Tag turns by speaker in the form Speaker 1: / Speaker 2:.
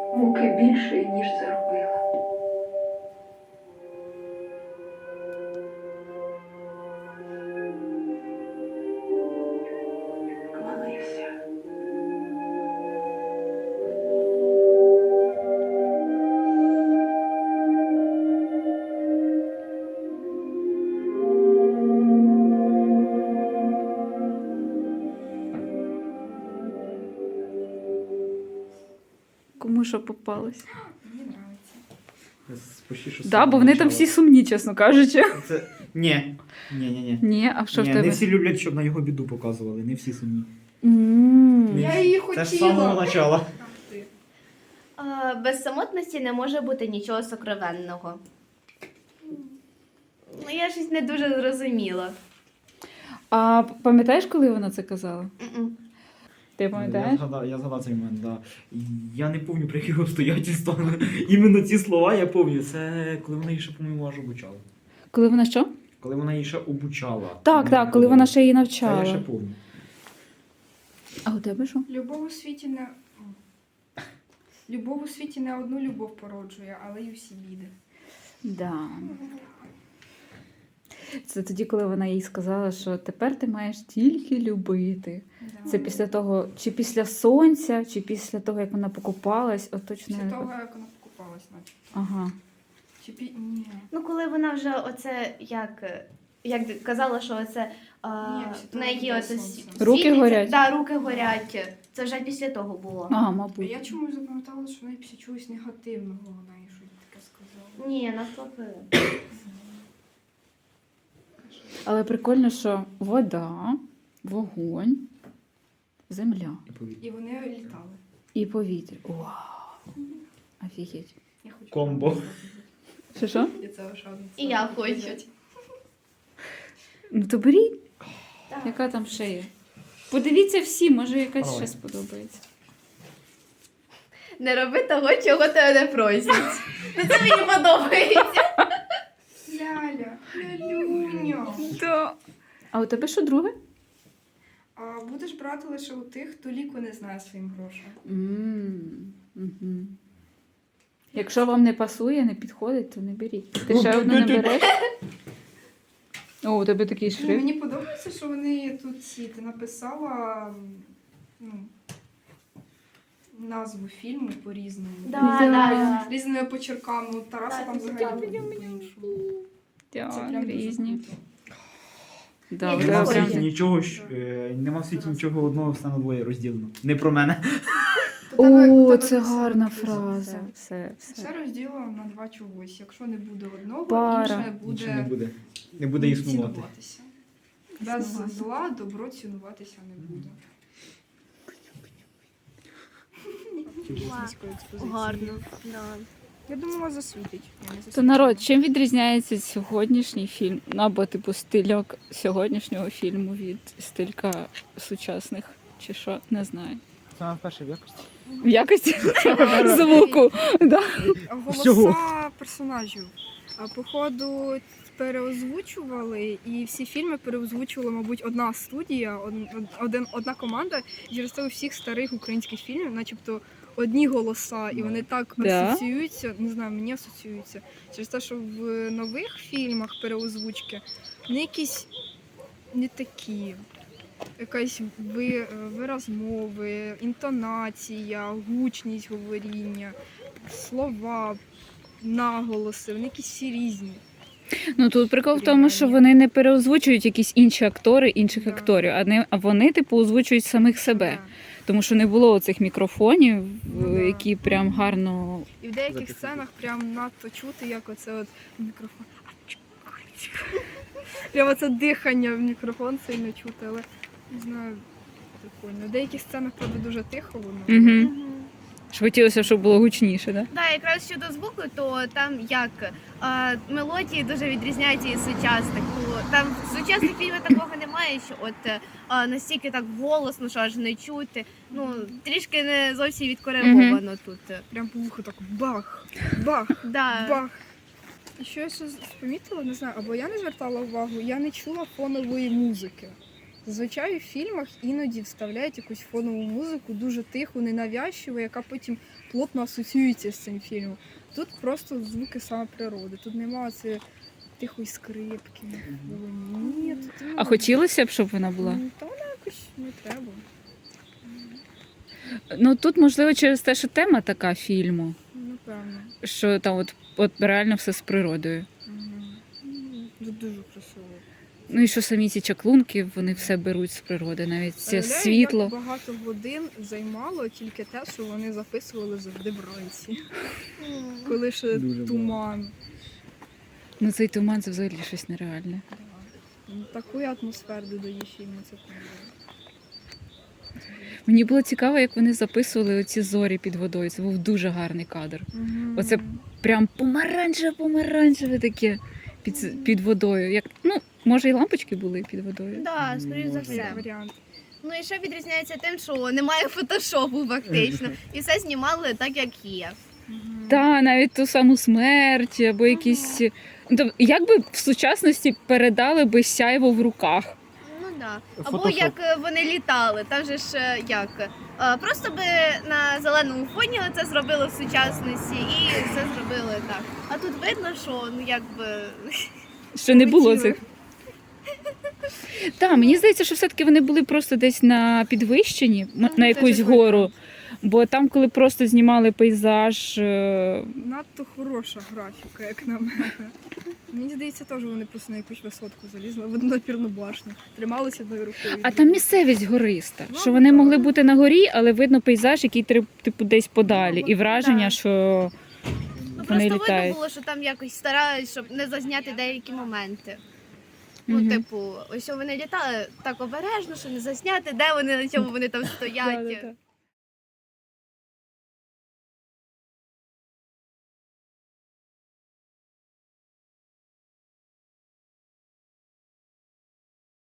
Speaker 1: муки більше, ніж заробила. Молився.
Speaker 2: Кому що попалось?
Speaker 3: Мені подобається.
Speaker 4: Почти що
Speaker 2: Да, бо вони там всі сумні, чесно кажучи.
Speaker 4: Це... Ні. Ні.
Speaker 2: Ні, а що в
Speaker 4: Ні,
Speaker 2: тебе?
Speaker 4: не всі люблять, щоб на його біду показували, не всі сумні.
Speaker 3: Я її
Speaker 4: Це ж з самого
Speaker 3: хотіла.
Speaker 4: начала.
Speaker 5: Без самотності не може бути нічого сокровенного. Ну, я щось не дуже зрозуміла.
Speaker 2: А пам'ятаєш, коли вона це казала?
Speaker 5: М-м.
Speaker 2: Ти пам'ятаєш?
Speaker 4: Я згадав цей момент, да. Я не пам'ятаю, про які обстоятельства. Іменно ці слова я пам'ятаю. Це коли вона її ще, по-моєму, аж обучала.
Speaker 2: Коли вона що?
Speaker 4: Коли вона її ще обучала.
Speaker 2: Так, коли вона ще її
Speaker 4: Це я ще
Speaker 2: навчала.
Speaker 4: пам'ятаю.
Speaker 2: А у тебе що?
Speaker 3: Любов у світі не... Любов у світі не одну любов породжує, але й усі біди.
Speaker 2: Да. Це тоді, коли вона їй сказала, що тепер ти маєш тільки любити.
Speaker 3: Да.
Speaker 2: Це після того, чи після сонця, чи після того, як вона покупалась, от точно.
Speaker 3: Після того, як вона покупалась, наче.
Speaker 2: Ага.
Speaker 3: Ні.
Speaker 5: Ну, коли вона вже оце, як казала, що оце
Speaker 3: Ні, після
Speaker 5: в
Speaker 3: того,
Speaker 5: неї
Speaker 3: як
Speaker 5: оце
Speaker 3: сонце.
Speaker 2: Руки
Speaker 5: світиться.
Speaker 2: горять?
Speaker 5: Так, руки горять. Це вже після того було.
Speaker 2: Ага,
Speaker 3: А
Speaker 2: мабуть.
Speaker 3: я чомусь запам'ятала, що вона після чогось негативного вона їй щось таке сказала.
Speaker 5: Ні, навпаки.
Speaker 2: Але прикольно, що вода, вогонь, земля
Speaker 3: І вони літали.
Speaker 2: і повітря. Вау! Офігеть.
Speaker 3: Я хочу.
Speaker 4: Комбо.
Speaker 2: Що?
Speaker 3: Я це ошадниця.
Speaker 5: І я хочу.
Speaker 2: Ну то беріть.
Speaker 5: Так.
Speaker 2: Яка там ще є? Подивіться всі, може якась
Speaker 4: Давай.
Speaker 2: ще сподобається.
Speaker 5: Не роби того, чого тебе не просять. Ну, це мені подобається.
Speaker 3: Ляля, лялюня.
Speaker 2: А у тебе що друге?
Speaker 3: А будеш брати лише у тих, хто ліку не знає своїм грошам.
Speaker 2: Мгм. Якщо вам не пасує, не підходить, то не беріть. Ти ще одну не береш? О, у тебе такий
Speaker 3: Ну,
Speaker 2: шрифт.
Speaker 3: мені подобається, що вони тут ти написала ну, назву фільму по-різному.
Speaker 5: Да.
Speaker 3: Різними почерками. У Тараса
Speaker 5: Так,
Speaker 3: там
Speaker 5: це
Speaker 3: взагалі
Speaker 5: так.
Speaker 3: було по-іншому. Це
Speaker 2: Так,
Speaker 3: прям дуже
Speaker 2: різні.
Speaker 3: круто.
Speaker 2: Да,
Speaker 5: Я
Speaker 2: у
Speaker 5: не
Speaker 4: Нема в
Speaker 2: тебе
Speaker 5: знаю.
Speaker 2: прям-
Speaker 4: світі нічого, нема в світі нічого одного, все на двоє розділено. Не про мене.
Speaker 3: У
Speaker 2: О,
Speaker 3: тебе
Speaker 2: це
Speaker 3: все
Speaker 2: гарна
Speaker 3: написано.
Speaker 2: фраза. Все.
Speaker 3: Все розділено на два чогось. Якщо не буде одного,
Speaker 2: Пара.
Speaker 3: інше
Speaker 4: Нічого не
Speaker 3: буде
Speaker 4: буде. Не буде існувати.
Speaker 3: цінуватися. Без
Speaker 2: Існувати.
Speaker 3: зла добро цінуватися не буде.
Speaker 5: Гарно. Да.
Speaker 3: Я думала, засвітить.
Speaker 2: То народ, чим відрізняється сьогоднішній фільм? Ну, або типу стильок сьогоднішнього фільму від стилька сучасних, чи що, не знаю.
Speaker 4: Саме перше в якості.
Speaker 2: В якості звуку. Да.
Speaker 4: Всього.
Speaker 3: Голоса персонажів. А походу переозвучували, і всі фільми переозвучувала, мабуть, одна студія, одна команда. І через це у всіх старих українських фільмів, начебто, одні голоса, і вони так
Speaker 2: Да.
Speaker 3: асоціюються, не знаю, мені асоціюються. Через те, що в нових фільмах переозвучки вони якісь не такі. Якась вираз мови, інтонація, гучність говоріння, слова, наголоси, вони якісь всі різні.
Speaker 2: Ну тут прикол в тому, що вони не переозвучують якісь інші актори інших
Speaker 3: Да.
Speaker 2: акторів, а вони типу озвучують самих себе.
Speaker 3: Да.
Speaker 2: Тому що не було оцих мікрофонів,
Speaker 3: Ну, да.
Speaker 2: які прям гарно.
Speaker 3: І в деяких
Speaker 4: Записуйте.
Speaker 3: сценах прям надто чути, як оце от мікрофон. Прямо це дихання в мікрофон сильно чути, але не знаю, прикольно. В деяких сценах, правда, дуже тихо воно.
Speaker 2: Угу. Хотілося, щоб було гучніше, так?
Speaker 5: Да, якраз щодо звуку, то там як мелодії дуже відрізняються від сучасних. Там в сучасних фільмах такого немає, що от настільки так голосно, що аж не чути. Ну, трішки не зовсім відкориговано тут.
Speaker 3: Прям по вуху так бах, бах,
Speaker 5: Да.
Speaker 3: бах. І що я ще помітила, не знаю, або я не звертала увагу, я не чула фонової музики. Зазвичай в фільмах іноді вставляють якусь фонову музику, дуже тиху, ненавязчиву, яка потім плотно асоціюється з цим фільмом. Тут просто звуки саме природи. Тут немає це тихої скрипки. Ні, тут
Speaker 2: А хотілося б, щоб вона була?
Speaker 3: Та вона якось не треба.
Speaker 2: Ну тут, можливо, через те, що тема така фільму,
Speaker 3: Напевно.
Speaker 2: що там от реально все з природою.
Speaker 3: Тут дуже красиво.
Speaker 2: Ну і що самі ці чаклунки, вони все беруть з природи, навіть це
Speaker 3: Уявляю,
Speaker 2: світло.
Speaker 3: Як багато годин займало тільки те, що вони записували завжди вранці. Коли ще
Speaker 4: Дуже
Speaker 3: туман.
Speaker 2: Ну цей туман це взагалі щось нереальне.
Speaker 3: Да. Ну, таку атмосферу додає фільму, це правда.
Speaker 2: Мені було цікаво, як вони записували оці зорі під водою. Це був дуже гарний кадр. Оце прям помаранчеве таке під водою. Як, ну, може і лампочки були під водою.
Speaker 5: Да, скоріш за
Speaker 3: Як
Speaker 5: все.
Speaker 3: варіант.
Speaker 5: Ну і ще відрізняється тим, що немає фотошопу фактично. І все знімали так, як є.
Speaker 2: Та, навіть ту саму смерть, або якісь. Ну, як би в сучасності передали би сяйво в руках?
Speaker 5: Ну да. Або
Speaker 4: Фотошоп.
Speaker 5: як вони літали, там же ж як. Просто би на зеленому фоні це зробили в сучасності і все зробили так. А тут видно, що ну якби.
Speaker 2: Що не було
Speaker 3: Полетіли.
Speaker 2: цих. Так, мені здається, що все-таки вони були просто десь на підвищенні, на
Speaker 3: це
Speaker 2: якусь
Speaker 3: ж
Speaker 2: гору. Бо там, коли просто знімали пейзаж,
Speaker 3: Надто хороша графіка, як на мене. Мені здається, теж вони просто на якусь висотку залізли, в однопірну башню. Трималися одною рукою.
Speaker 2: а там місцевість гориста.
Speaker 3: Ну,
Speaker 2: Що вони
Speaker 3: так.
Speaker 2: могли бути на горі, але видно пейзаж, який типу десь подалі. І враження,
Speaker 5: Так.
Speaker 2: що
Speaker 5: Ну
Speaker 2: вони
Speaker 5: просто видно
Speaker 2: літають.
Speaker 5: було, що там якось старались, щоб не зазняти деякі моменти. Ну,
Speaker 2: Мгм.
Speaker 5: типу, ось вони літали так обережно, що не засняти, де вони, на чому вони там стоять.
Speaker 2: Да-да-да.